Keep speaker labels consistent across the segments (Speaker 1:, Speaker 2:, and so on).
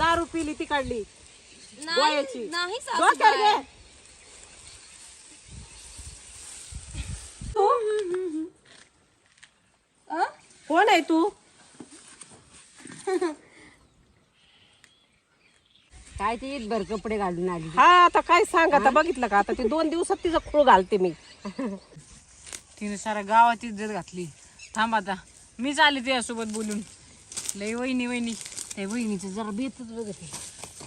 Speaker 1: दारू पिली ती काढली गोळ्याची.
Speaker 2: नाही
Speaker 1: डोक्यावर घे. तू कोण आहे तू?
Speaker 2: काय ते भर कपडे घालून आली.
Speaker 1: हा आता काय सांग, आता बघितलं का, आता ते 2 दिवसात तिचं खूळ घालते मी.
Speaker 3: तिने सारा गावाची इज्जत घातली. थांब आता मीच आले त्यासोबत बोलून. लय वहिनी वहिनी त्या वहिनीचं जरा बेतच बघत आहे.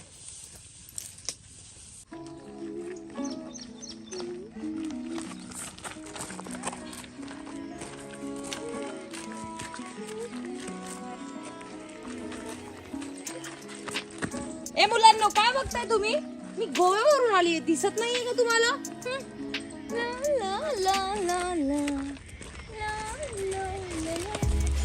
Speaker 2: ए मुलांनो, काय बघताय तुम्ही? मी गोव्यावरून आली, दिसत नाहीये का तुम्हाला? ला, ला, ला, ला, ला. ला, ला, ला, ला.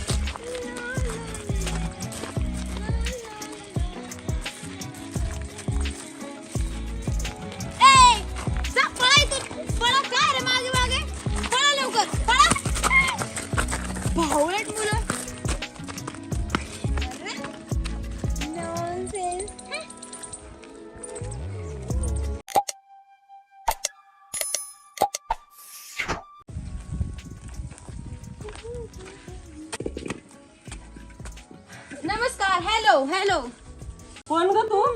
Speaker 2: ए, जा, पळा इथून. पळा, काय रे मागे मागे? पळा लवकर, पळा. भावळट मुलं. अरे, nonsense. नमस्कार. Hello hello.
Speaker 1: कोण ग तू?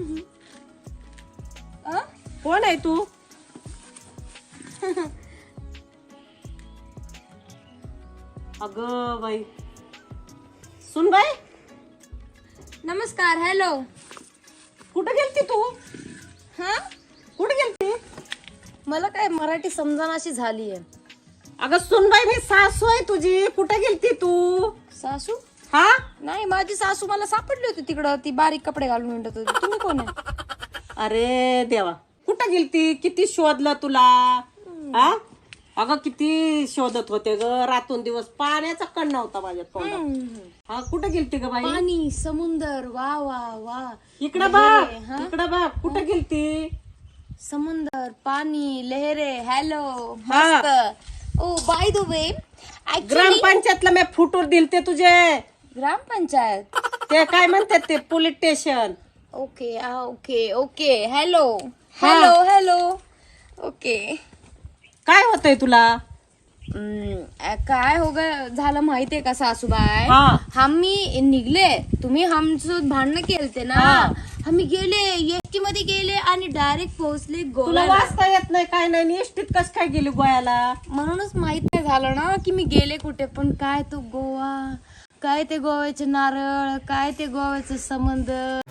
Speaker 1: कोण आहे तू? अगं बाई, सुन बाई,
Speaker 2: नमस्कार. हॅलो.
Speaker 1: कुठे गेलती तू?
Speaker 2: हा,
Speaker 1: कुठे गेलती?
Speaker 2: मला काय मराठी समजनाशी झालीये.
Speaker 1: अगं सुन बाई, मी सासू आहे तुझी. कुठे गेलती तू?
Speaker 2: सासू?
Speaker 1: हा,
Speaker 2: नाही, माझी सासू मला सापडली होती तिकडं. ती बारीक कपडे घालून हिंडत होती. तुम्ही कोण आहे?
Speaker 1: अरे देवा, कुठं गेलती? किती शोधलं तुला? हा, अगं किती शोधत होते ग, रातून दिवस. पाण्याचा कण नव्हता माझ्या तोंडात. हा, कुठं गेलती ग बाई?
Speaker 2: पाणी, समुंदर, वा वा वा.
Speaker 1: इकडं बघ, इकडं बघ, कुठं गेलती?
Speaker 2: समुंदर, पाणी, लहरे. हॅलो.
Speaker 1: हा.
Speaker 2: मस्त. ओ बाय द वे,
Speaker 1: ग्रामपंचायतला मी फुटूर दिलते तुझे.
Speaker 2: ग्रामपंचायत.
Speaker 1: ते काय म्हणतात ते, police station.
Speaker 2: Okay okay okay. Hello
Speaker 1: हा.
Speaker 2: Hello hello. ओके.
Speaker 1: काय होतंय तुला?
Speaker 2: काय हो झालं माहितीये का सासूबाई?
Speaker 1: हा.
Speaker 2: आम्ही निघले, तुम्ही आमचं भांडणं केलते ना.
Speaker 1: हा.
Speaker 2: आम्ही गेले, एसटी मध्ये गेले आणि डायरेक्ट पोहोचले
Speaker 1: तुला
Speaker 2: गोव्याला.
Speaker 1: वाचता येत नाही, काय नाही, एसटीत कस काय गेली गोव्याला?
Speaker 2: म्हणूनच माहित नाही झालं ना की मी गेले कुठे. पण काय तो गोवा, काय ते गोव्याचे नारळ, काय ते गोव्याचं समुद्र.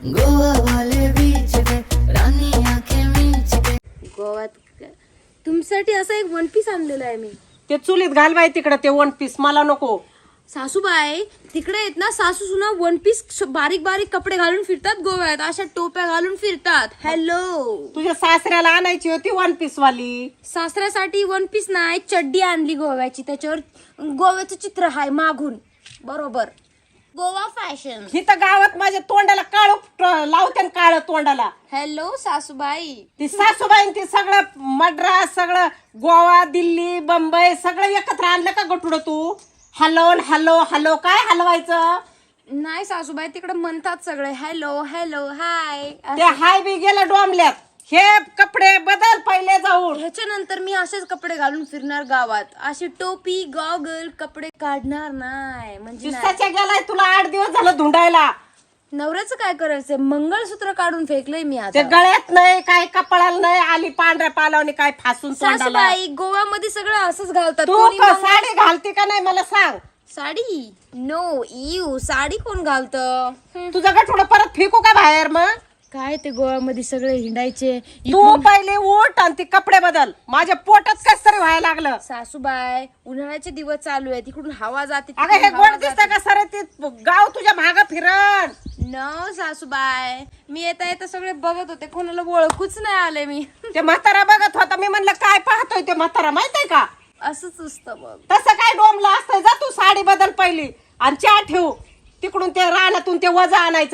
Speaker 2: गोव्यात तुमच्यासाठी असं एक वन पीस आणलेलं आहे मी.
Speaker 1: ते चुलीत घाल बाई तिकडे, ते 1 पीस मला नको.
Speaker 2: सासूबाई तिकडे येत ना, सासू सुना 1 पीस बारीक बारीक कपडे घालून फिरतात गोव्यात. अशा टोप्या घालून फिरतात. हॅलो.
Speaker 1: तुझ्या सासऱ्याला आणायची होती 1 पीस वाली.
Speaker 2: सासऱ्यासाठी 1 पीस नाही, चड्डी आणली गोव्याची. त्याच्यावर गोव्याचं चित्र आहे मागून. बरोबर, गोवा फॅशन.
Speaker 1: इथं गावात माझ्या तोंडाला काळ लावते, काळ तोंडाला.
Speaker 2: हॅलो सासूबाई.
Speaker 1: ती सासूबाई ती सगळं मद्रास, सगळं गोवा, दिल्ली, बंबई सगळं एकत्र आणलं का गटुड तू? हलवून हॅलो हॅलो काय हलवायचं?
Speaker 2: नाही सासूबाई, तिकडे म्हणतात सगळे हॅलो हॅलो हाय.
Speaker 1: ते हाय बी गेलं डोंबल्यात. हे कपडे बदल पहिले जाऊन.
Speaker 2: ह्याच्यानंतर मी असेच कपडे घालून फिरणार गावात. अशी टोपी गॉगल कपडे काढणार नाही. म्हणजे नाही.
Speaker 1: दिवसाच्या गेलाय तुला 8 दिवस झालं धुंडायला.
Speaker 2: नवऱ्याचं काय करायचंय? मंगळसूत्र काढून फेकलंय मी
Speaker 1: ते
Speaker 2: आता.
Speaker 1: गळ्यात नाही, काय कपडाला नाही, आली पांढऱ्या पालावणी काय फासून तोंडाला.
Speaker 2: सासूबाई गोव्यामध्ये सगळं असंच घालतात.
Speaker 1: तू
Speaker 2: कोणी
Speaker 1: साडी घालते का नाही मला सांग.
Speaker 2: साडी? नो यू, साडी कोण घालतं?
Speaker 1: तुझं गठोडं परत फेकू का बाहेर? मग
Speaker 2: काय ते गोव्यामध्ये सगळे हिंडायचे.
Speaker 1: तू पहिले उठ आणि ते कपडे बदल. माझ्या पोटात कस तरी व्हायला लागलं.
Speaker 2: सासूबाई उन्हाळ्याचे दिवस चालू आहे, तिकडून हवा जाते.
Speaker 1: अगं हे गोड दिसतं का सर? ते गाव तुझ्या माग फिरण.
Speaker 2: नो सासूबाई, मी येता येता सगळे बघत होते, कोणाला ओळखूच नाही आले मी.
Speaker 1: ते म्हातारा बघत होता, मी म्हणलं काय पाहतोय ते म्हातारा, माहितीये का?
Speaker 2: असंच असतं बघ.
Speaker 1: तसं काय डोंबलं असतंय. जा तू साडी बदल पहिली आणि चहा ठेवू. तिकडून ते रानातून ते वजा आणायचंय.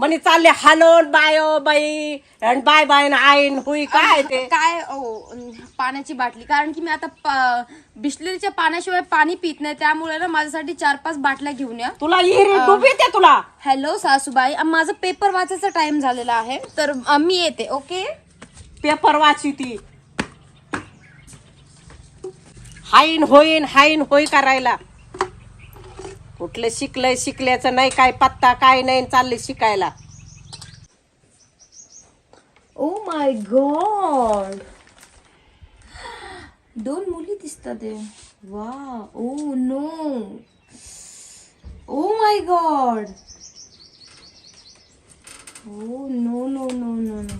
Speaker 1: म्हणे चालले हलोन बायो बाई आणि बाय बाय ना आईन हुई काय ते
Speaker 2: काय पाण्याची बाटली, कारण की मी आता बिस्लरीच्या पाण्याशिवाय पाणी पित नाही, त्यामुळे ना माझ्यासाठी 4-5 बाटल्या घेऊन या.
Speaker 1: तुला इरी डुबी येते तुला.
Speaker 2: हॅलो सासूबाई, माझं पेपर वाचायचा टाइम झालेला आहे, तर मी येते. ओके,
Speaker 1: पेपर वाची ती हाईन होई करायला. कुठलं शिकलंय, शिकल्याचं नाही काय पत्ता काय नाही, चालले शिकायला.
Speaker 2: ओ माय गॉड, 2 मुली दिसतात. वा, oh no, oh my god, oh no no no no no.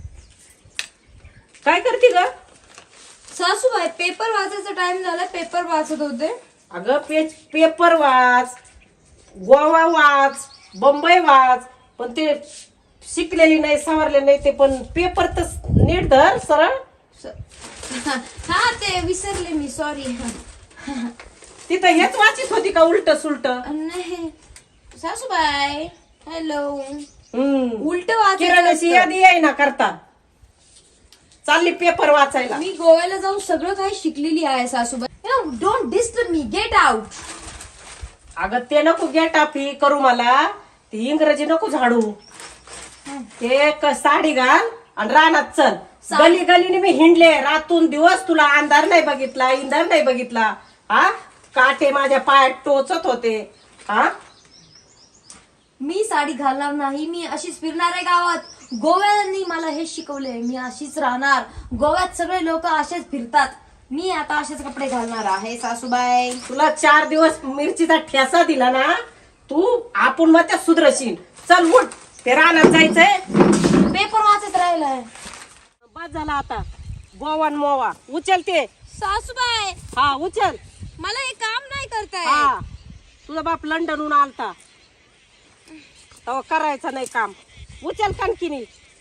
Speaker 1: काय करते ग?
Speaker 2: सासूबाई, पेपर वाचायचा टाइम झाला, पेपर वाचत होते.
Speaker 1: अगं पेपर वाच, गोवा वाच, बंबई वाच, पण ते शिकलेली नाही, सवरले नाही ते, पण पेपर तर नीट धर सरळ.
Speaker 2: हा, ते विसरले मी, सॉरी.
Speaker 1: तिथं हेच वाचित होती का उलट सुलट?
Speaker 2: नाही सासूबाई, हॅलो, उलट
Speaker 1: किराणाची
Speaker 2: वाचायचं.
Speaker 1: यादी आहे ना करता, चालली पेपर वाचायला.
Speaker 2: मी गोव्याला जाऊन सगळं काही शिकलेली आहे सासूबाई. Don't disturb me, get out.
Speaker 1: अगं ते नको गेटाफी करू मला, ती इंग्रजी नको झाडू. ते साडी घाल आणि रानात चल. गली गलीने मी हिंडले रातून दिवस, तुला अंधार नाही बघितला, इंधार नाही बघितला. हा, काटे माझ्या पायात टोचत होते. हा,
Speaker 2: मी साडी घालणार नाही, मी अशीच फिरणार आहे गावात. गोव्यानी मला हे शिकवले, मी अशीच राहणार. गोव्यात सगळे लोक असेच फिरतात, मी आता असेच कपडे घालणार आहे सासूबाई.
Speaker 1: तुला 4 दिवस मिरचीचा ठेसा दिला ना, तू आपण मग त्या सुधरशील. चल उठ, ते रानात जायचंय.
Speaker 2: पेपर वाचत राहिलाय.
Speaker 1: बस झाला आता, गोवन मोवा उचल ते.
Speaker 2: सासूबाई,
Speaker 1: हा उचल.
Speaker 2: मला हे काम नाही करताय.
Speaker 1: हा, तुझा बाप लंडनहून आलता तेव्हा करायचं नाही काम. उचल कणकिनी,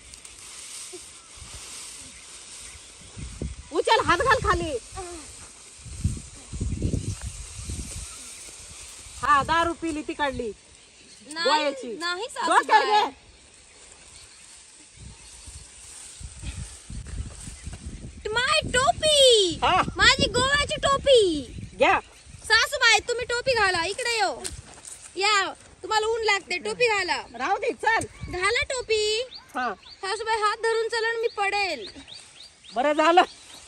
Speaker 1: उचल, हात घाल खाली. हा, दारू पिली ती काढली गोळ्याची.
Speaker 2: नाही
Speaker 1: डोक्यावर घे.
Speaker 2: सासूबाई, माय टोपी,
Speaker 1: हा,
Speaker 2: माझी गोव्याची टोपी.
Speaker 1: घ्या.
Speaker 2: सासूबाई, तुम्ही टोपी घाला, इकडे येऊ या, तुम्हाला ऊन लागते, टोपी घाला.
Speaker 1: राहू दे, चल.
Speaker 2: घाला टोपी.
Speaker 1: हा,
Speaker 2: सासूबाई, हात धरून चला, मी पडेल.
Speaker 1: बरं झालं.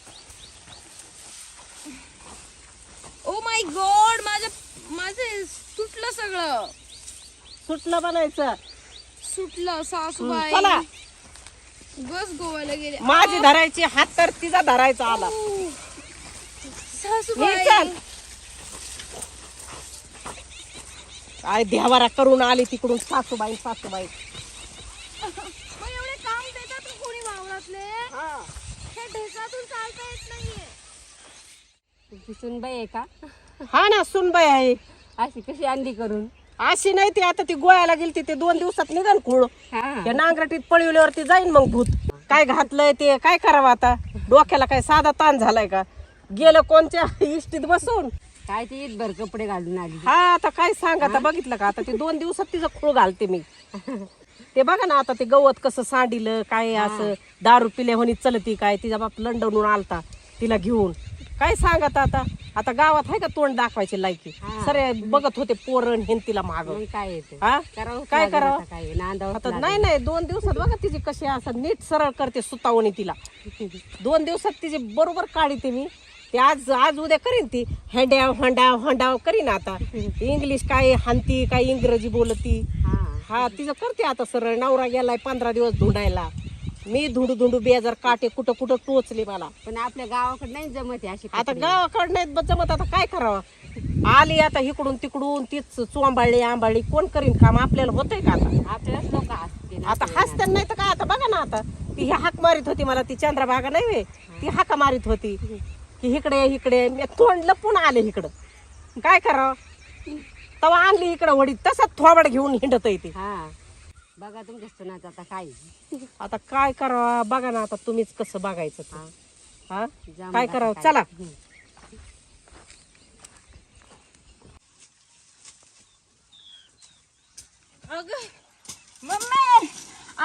Speaker 2: ओ माय गॉड, माझे सुटलं सगळं.
Speaker 1: सुटलं बनायचं.
Speaker 2: सुटलं सासूबाई.
Speaker 1: चला,
Speaker 2: बस गोव्याला गेले.
Speaker 1: माझी धरायची हात तर तिचा धरायचा आला.
Speaker 2: सासूबाई,
Speaker 1: चल. काय देवारा करून आली तिकडून सासूबाई.
Speaker 2: मग एवढे काम देतात का कोणी वावरातले? हे ढेसातून चालता येत नाहीये.
Speaker 3: तुझी सुनबाई आहे का?
Speaker 1: हा ना, सुनबाई आहे.
Speaker 3: अशी कशी अंडी करून?
Speaker 1: अशी नाही ती, आता ती गोळ्याला गेली ते 2 दिवसात निघन खूळ.
Speaker 3: हा,
Speaker 1: त्या नांगरटीत पळवल्यावरती जाईन मग भूत. काय घातलंय ते काय करावं आता, डोक्याला काय साधा ताण झालाय का? गेलं कोणच्या इष्टीत बसून.
Speaker 3: काय ते भर कपडे घालून आली.
Speaker 1: हा, आता काय सांग, आता बघितलं का, आता ते 2 दिवसात तिचं खूळ घालते मी. ते बघा ना, आता ते गवत कसं सांडिलं काय, असं दारू पिल्या म्हणी चलती काय. तिचा बाप लंडनहून आलता तिला घेऊन. काय सांगत आता, आता गावात आहे का तोंड दाखवायची लायकी? सरे बघत होते पोरण हेन तिला माग.
Speaker 3: मग काय येते,
Speaker 1: हा,
Speaker 3: करावं
Speaker 1: काय करावं?
Speaker 3: काय नांदावं
Speaker 1: आता नाही 2 दिवसात बघा तिची कशी असं नीट सरळ करते सुतावणी तिला. 2 दिवसात तिची बरोबर काढते मी. ते आज उद्या करीन ती, हंडाव करीन. आता इंग्लिश काय हानती, काय इंग्रजी बोलती. हा, तिचं करते आता सरळ. नवरा गेलाय 15 दिवस धुंडायला, मी धुंडू बेजार काटे कुठं कुठं टोचले मला.
Speaker 3: पण आपल्या गावाकडे नाही जमत आहे अशी
Speaker 1: आता गावाकडं नाहीत जमत, आता काय करावं. आली आता इकडून तिकडून, तीच चोंबाळली आंबाळली, कोण करीन काम? आपल्याला होतंय का आता?
Speaker 3: आपल्याच लोक असते.
Speaker 1: आता हसत्या नाही तर काय. आता बघा ना, आता ती हाक मारित होती मला, ती चंद्रभागा नाही वे, ती हाका मारित होती की इकडे मी तोंड लपून आले इकडं. काय करावं, तवा आणली इकडं वडी, तसंच थोबड घेऊन हिंडत येते.
Speaker 3: हा, बघा तुमच्या सुनाचं आता काय.
Speaker 1: आता काय करावं बघा ना, आता तुम्हीच कसं बघायचं ते. हा,
Speaker 3: जमलं
Speaker 1: काय
Speaker 3: आता
Speaker 1: करावं,
Speaker 3: काय.
Speaker 1: चला.
Speaker 2: अगं मम्मी,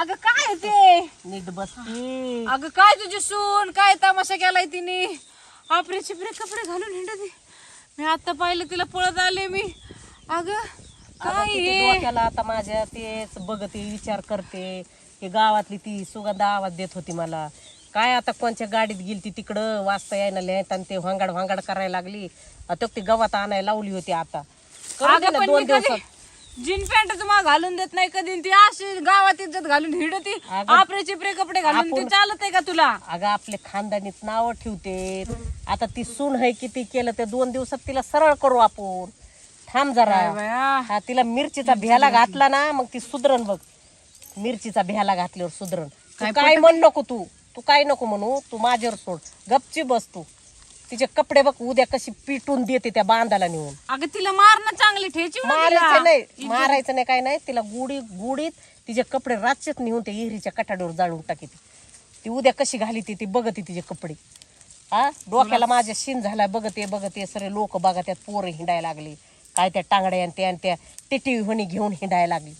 Speaker 3: अगं काय ते
Speaker 1: नीट बसती.
Speaker 3: अगं काय तुझी सून काय तमाशा केलाय तिने आपरे चिपरे कपडे घालून हिंडते. मी आता पाहिलं तिला पळत आले मी. अगं काय
Speaker 1: किती
Speaker 3: हे
Speaker 1: डोक्याला आता माझ्या तेच बघते विचार करते. की गावातली ती सुगंधा आवाज देत होती मला. काय आता कोणच्या गाडीत गेलती तिकडं वाजता यायला लिहायत आणि ते भांगाड भांगाड करायला लागली. आता ती गवत आणायला लावली होती. आता करू दे
Speaker 3: अगं
Speaker 1: ना
Speaker 3: पण
Speaker 1: 2
Speaker 3: मी
Speaker 1: दिवसात.
Speaker 3: कधी जीन पॅन्ट तुम्हाला घालून देत नाही कधी ती अशी गावात इज्जत घालून हिंडती.
Speaker 1: अगं,
Speaker 3: आपरे चिपरे कपडे घालून ते चालत आहे का तुला?
Speaker 1: अगं आपले खानदानीत नाव ठेवते. आता ती सून आहे किती केलं ते 2 दिवसात तिला सरळ करू आपण. थांब जरा.
Speaker 3: काय बाया.
Speaker 1: हा तिला मिरचीचा भ्याला घातला ना मग ती सुधरण बघ. मिरचीचा भ्याला घातल्यावर सुधरण. काय म्हण नको तू काय नको म्हणू. तू माझ्यावर सोड. गपची बस तू. तिचे कपडे बघ उद्या कशी पिटून देते त्या बांधाला नेऊन.
Speaker 3: अगं तिला मारणं चांगली ठेची
Speaker 1: मारायचं नाही मारायचं नाही काय नाही. तिला गुडीत तिचे कपडे रातचेच नेऊन त्या इहिरीच्या कठाडीवर जाळून टाकी. ती उद्या कशी घाली ती बघते तिचे कपडे. हा डोक्याला माझ्या शिन झाला. बघते सरे लोक बघा त्यात पोरं हिंडायला लागली. काय त्या टांगड्या आणि त्या टिटी होणी घेऊन हिंडायला लागली.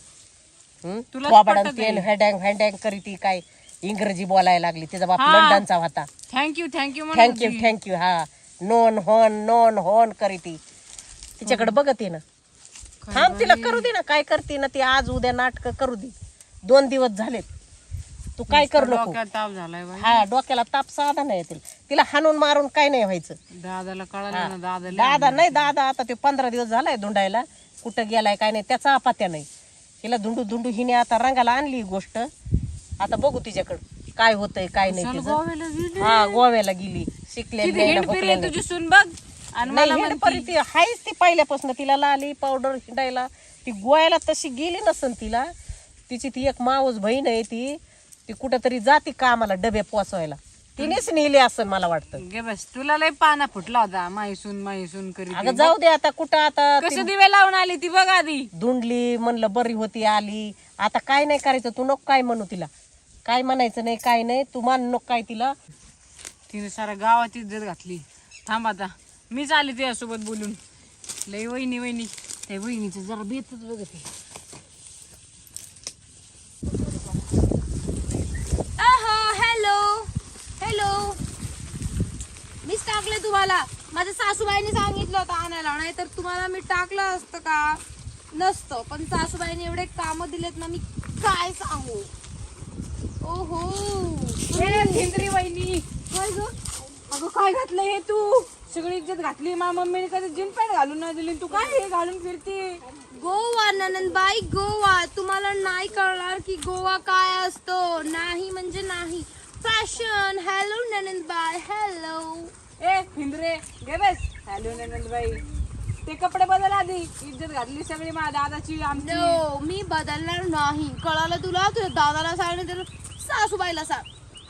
Speaker 1: हँडँग करीती काय इंग्रजी बोलायला लागली. तिचा बाप लंडनचा होता.
Speaker 3: थँक्यू
Speaker 1: थँक्यू हा नोन होन करीती. तिच्याकडे बघते ना. थांब तिला करू दे ना. काय करते ना ती आज उद्या नाटक करू दे. 2 दिवस झालेत. तू काय करू नको.
Speaker 3: ताप झालाय बाई.
Speaker 1: हा डोक्याला ताप साधा नाही येतील. तिला हाणून मारून काय नाही व्हायचं.
Speaker 3: दादाला कळालं ना
Speaker 1: दादा आता ते 15 दिवस झालाय धुंडायला. कुठं गेलाय काय नाही त्याचा अपात्या नाही. तिला धुंडू हिने आता रंगाला आणली गोष्ट. आता बघू तिच्याकडं काय होतंय काय नाही तिचं. हा गोव्याला गेली शिकलेली
Speaker 3: तुझी सून बघ आणि मला
Speaker 1: ती हायच ती पहिल्यापासून. तिला लाली पावडर हिंडायला. ती गोव्याला तशी गेली नसन तिला. तिची ती एक मावस बहीण आहे ती कुठंतरी जाती कामाला डबे पोचवायला. तिनेच नेली असं मला वाटतं.
Speaker 3: गे बस तुला लय पाना फुटला होता माहीसून करी.
Speaker 1: अगं जाऊ दे आता कुठं आता
Speaker 3: कसं दिवे लावून आली ती बघ आधी.
Speaker 1: धुंडली म्हणलं बरी होती आली. आता काय नाही करायचं. तू नको काय म्हणू तिला. काय म्हणायचं नाही काय नाही. तू मान नको काय तिला.
Speaker 3: तिने साऱ्या गावात इज्जत घातली. थांब आता मीच आली तुझ्यासोबत बोलून. लय वहिनी त्या वहिनीचं जरा बेतच बघते.
Speaker 2: हॅलो मीच टाकले तुम्हाला. माझ्या सासूबाईने सांगितलं होतं आणायला. नाही तर तुम्हाला मी टाकलं असतं का नसतं. पण सासूबाईने एवढे काम दिलेत ना मी काय सांगू. ओहो
Speaker 3: हिंद्री वहिनी
Speaker 2: काय ग.
Speaker 3: अगं काय घातलं हे तू. सगळी इज्जत घातली. मम्मीने कधी जीन पॅन्ट घालून नाही दिली. तू काय हे घालून फिरते.
Speaker 2: गोवा ननंदबाई गोवा. तुम्हाला नाही कळणार की गोवा काय असतो. नाही म्हणजे नाही. फॅशन. हॅलो ननंदबाई हॅलो.
Speaker 3: ए हिंद्रे गे बस. हॅलो नंदबाई ते कपडे बदल आधी. इज्जत घातली सगळी माझ्या दादाची आमची.
Speaker 2: नो मी बदलणार नाही. कळालं तुला. तुझ्या दादाला सांग नाही तर सासूबाईला सांग.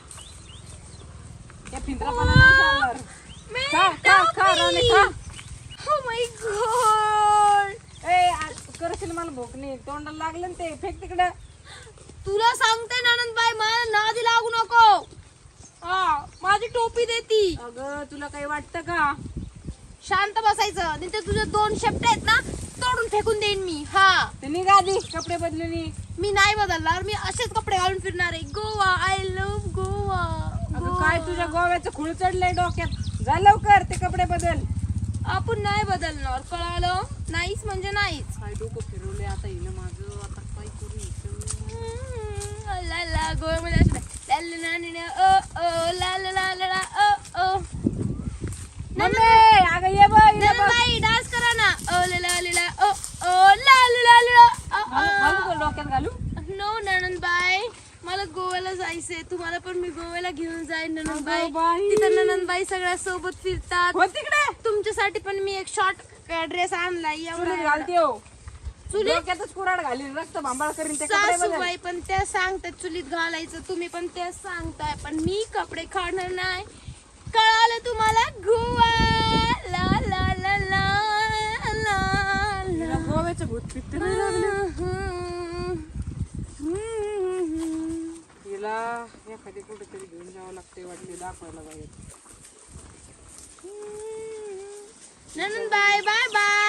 Speaker 3: या फिंद्रापणा नाही चालणार. खा राणे खा.
Speaker 2: Oh my God.
Speaker 3: करशील मला भूक नाही. तोंडाला लागलं ना ते. फेक तिकडे.
Speaker 2: तुला सांगते ननंदबाई मला नादी लागू नको. हा माझी टोपी देती.
Speaker 3: अगं तुला काही वाटतं का.
Speaker 2: शांत बसायचं. नाही तर तुझे 2 शेपटे आहेत ना तोडून फेकून देईन मी. हा
Speaker 3: ते निघा आधी कपडे बदलून.
Speaker 2: मी नाही बदलणार. मी असेच कपडे घालून फिरणार आहे. गोवा. I love Goa.
Speaker 3: अगं काय तुझ्या गोव्याचं खुळ चढलंय डोक्यात. जा लवकर ते कपडे बदल.
Speaker 2: आपण नाही बदलणार. कळालं. नाहीच म्हणजे नाहीच.
Speaker 3: काय डोकं फिरवलंय आता हिनं माझं. आता काय करू.
Speaker 2: ला ला गोव्यामध्ये असं ला ला ला ओ ला ला ला ला ओ.
Speaker 3: अगं ये बघ
Speaker 2: ननंदबाई डान्स करा ना. ओ ला ला ला ओ ला ला ला.
Speaker 3: डोक्यात घालू.
Speaker 2: नो ननंदबाई मला गोव्याला जायचंय. तुम्हाला पण मी गोव्याला घेऊन जाईन ननंदबाई.
Speaker 3: अगं बाई.
Speaker 2: तिथं ननंदबाई सगळ्या सोबत फिरतात.
Speaker 3: हो तिकडे.
Speaker 2: तुमच्यासाठी पण मी एक शॉर्ट ड्रेस आणलाय.
Speaker 3: चुलीत घालते हो.
Speaker 2: चुलीत
Speaker 3: डोक्यातच कुराड घालीन रक्त भांबाळ करीन ते कपडे बदल.
Speaker 2: सासूबाई पण त्या सांगतात चुलीत घालायचं. तुम्ही पण त्या सांगताय. पण मी कपडे काढणार नाही. कळालं तुम्हाला. गोवा ला ला ला ला ला.
Speaker 3: गोव्याचं भूत पित्त नाही लागलं. तिला एखादी कुठेतरी घेऊन जावं लागते वाटते. दाखवायला पाहिजे.
Speaker 2: ननंदबाई बाय बाय.